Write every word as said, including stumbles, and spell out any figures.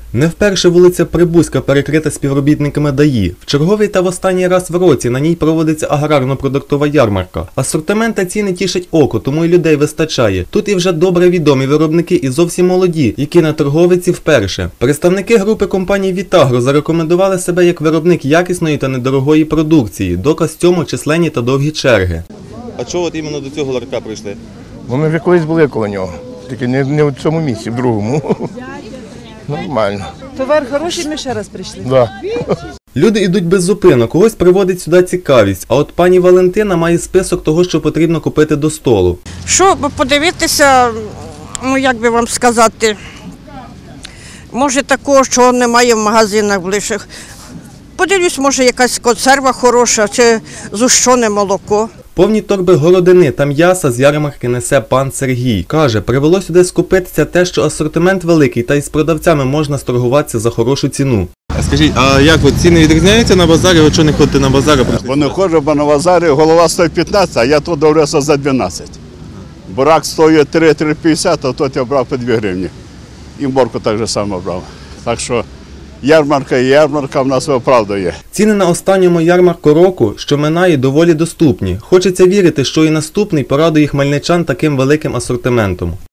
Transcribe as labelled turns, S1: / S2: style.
S1: Не вперше вулиця Прибузька перекрита співробітниками ДАІ. В черговий та в останній раз в році на ній проводиться аграрно-продуктова ярмарка. Асортимент та ціни тішать око, тому і людей вистачає. Тут і вже добре відомі виробники і зовсім молоді, які на торговиці вперше. Представники групи компаній «Вітагро» зарекомендували себе як виробник якісної та недорогої продукції. Доказ цьому численні та довгі черги. А чого от іменно до цього ларька прийшли?
S2: Бо ми вже колись були коло нього, тільки не, не в цьому місці, в другому. Нормально.
S3: Товар хороший, ми ще раз прийшли.
S2: Да.
S1: Люди йдуть без зупинок, когось приводить сюди цікавість. А от пані Валентина має список того, що потрібно купити до столу.
S4: Що подивитися, ну як би вам сказати, може такого, що немає в магазинах ближчих. Подивлюсь, може якась консерва хороша чи зущене молоко.
S1: Повні торби городини та м'яса з ярмарки несе пан Сергій. Каже, привело сюди скупитися те, що асортимент великий та із продавцями можна сторгуватися за хорошу ціну. А скажіть, а як от ціни відрізняються на базарі? Ви чого не ходите на базар?
S5: Бо не ходжу, бо на базарі голова стоїть п'ятнадцять, а я тут довелося за дванадцять. Бурак стоїть три-три п'ятдесят, а тут я брав по дві гривні. І морку так само брав. Так що ярмарка і ярмарка в нас виправдує.
S1: Ціни на останньому ярмарку року, що минає, доволі доступні. Хочеться вірити, що і наступний порадує хмельничан таким великим асортиментом.